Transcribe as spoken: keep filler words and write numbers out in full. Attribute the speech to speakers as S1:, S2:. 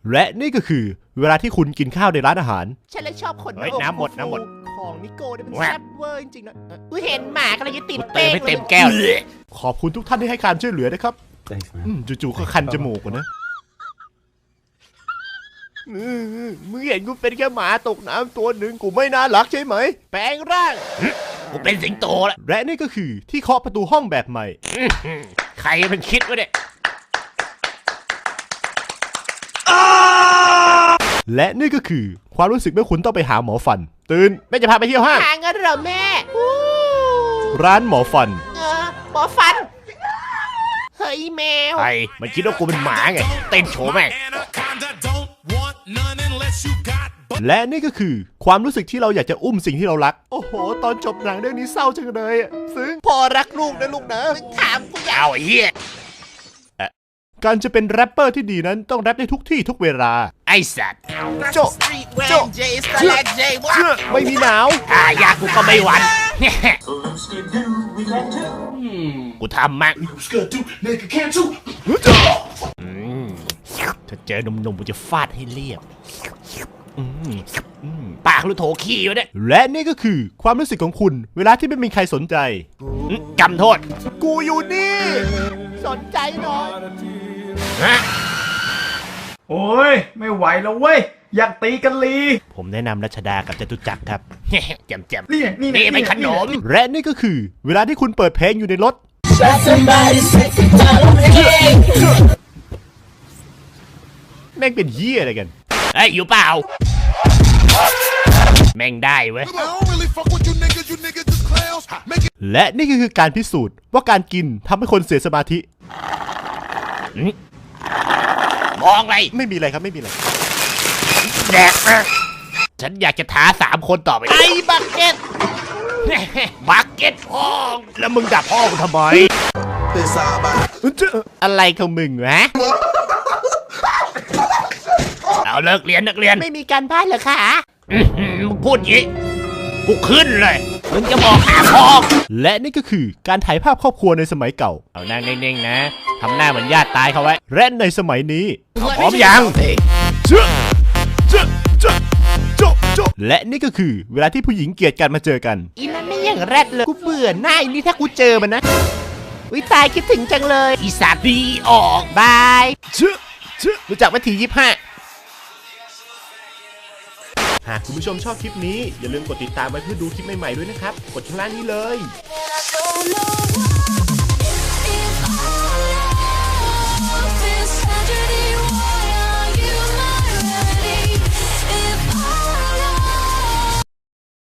S1: และนี่ก็คือเวลาที่คุณกินข้าวในร้านอาหาร
S2: ฉันเลยชอบคน
S3: เฮ้ยน้ำหมดน้ำหมด
S2: ของนิโก้เนี่ยมันแซ่บเวอร์จริงๆนะอุ้ยเห็นหมากำลังจะติด
S3: เติ
S2: เป้
S3: ม
S2: ง
S3: ให้
S2: เล
S3: เต็
S2: ย
S3: มแก้ว
S1: ขอบคุณทุกท่านที่ให้การช่วยเหลือนะครับ
S4: Thanks, man.
S1: อืมจู่ๆก็คันจมูกนะ
S2: มึงเห็นกูเป็นแค่หมาตกน้ำตัวหนึ่งกูไม่น่ารักใช่ไหมแปลงร่าง
S3: กูเป็นสิงโตแล้ว
S1: และนี่ก็คือที่เคาะประตูห้องแบบใหม่
S3: ใครมันคิดวะเนี่ย
S1: และนี่ก็คือความรู้สึกเมื่อคุณต้องไปหาหมอฟัน ตื่นแม่จะพาไปเที่ยวห้าง
S2: หาเงินเหรอแม่อู้
S1: ร้านหมอฟัน
S2: เออหมอฟันเฮ้ยแมว
S3: ใครมันคิดว่ากูเป็นหมาไงเต้นโชว์แม่ง
S1: และนี่ก็คือความรู้สึกที่เราอยากจะอุ้มสิ่งที่เรารัก โอ้โห ตอนจบหนังเรื่องนี้เศร้าจังเลยอะซึ้ง
S2: พ่อรักลูกนะลูกนะถามกูอยาก
S3: เอาไอ้เหี้ย
S1: การจะเป็นแรปเปอร์ที่ดีนั้นต้องแรปได้ทุกที่ทุกเวลา
S3: ไอ้สัตว์
S1: โจ
S2: โจเจสแลกเจว่า
S1: เชื่อไม่มีหนาว
S3: อ่ายากูก็ไม่หวั่นกูทำมั่งอืมถ้าเจอหนุ่มๆกูจะฟาดให้เรียบอืมอืมปากลูกโถขี้วะเนี่ย
S1: และนี่ก็คือความรู้สึกของคุณ เวลาที่ไม่มีใครสนใจ
S3: อืมจำโทษ
S1: กูอยู่นี่
S2: สนใจหน่อย
S3: ฮะ
S4: โอ้ยไม่ไหวแล้วเว้ยอยากตีกันลี
S3: ผมแนะนำรัชดากับจตุจักรครับ แจ่มแจ่ม
S4: นี่นี่
S3: นี่เป็นขนม
S1: และนี่ก็คือเวลาที่คุณเปิดเพลงอยู่ในรถ แม่งเป็นเหี้ยอะไรกัน
S3: เอ้ยอยู่เปล่า แม่งได้เว้ย
S1: และนี่ก็คือการพิสูจน์ว่าการกินทำให้คนเสียสมาธิ
S3: มองอะไร
S1: ไม่มีอะไรครับไม่มีอะไร
S3: แดกนะฉันอยากจะท้าสามคนต่อไป
S2: ไอ้บักเก็ต
S3: บักเก็ตพ่องแล้วมึงดับพ่อกูทำไม
S1: อะไรของมึงวะ
S3: เอาเลิกเรียนนักเรียน
S2: ไม่มีการบ้านเหรอคะ
S3: อื้อหือมึงพูดอย่างงี้กูขึ้นเลยมึงจะบอกหาพ่อ
S1: และนี่ก็คือการถ่ายภาพครอบครัวในสมัยเก่า
S3: เอานั่งนิ่งๆนะทำหน้าเหมือนญาติตายเขาไว้
S1: และในสมัยนี้
S3: พร้อมยัง
S1: เจ๊ะเจ๊ะเจ๊ะโจ๊ะโจ๊ะและนี่ก็คือเวลาที่ผู้หญิงเกลียดกันมาเจอกัน
S2: อีนั่นไม่อย่างแรดเลยกูเบื่อหน้าอีนี่ถ้ากูเจอมันนะวิตายคิดถึงจังเลย
S3: อีสัตว์ดีออก
S2: บาย
S1: เจ๊ะเจ๊ะ
S2: รู้จักวิธียี่ห้า
S1: หากคุณผู้ชมชอบคลิปนี้อย่าลืมกดติดตามไว้เพื่อดูคลิปใหม่ๆด้วยนะครับ กดข้างล่างนี้เลย
S5: If all of this tragedy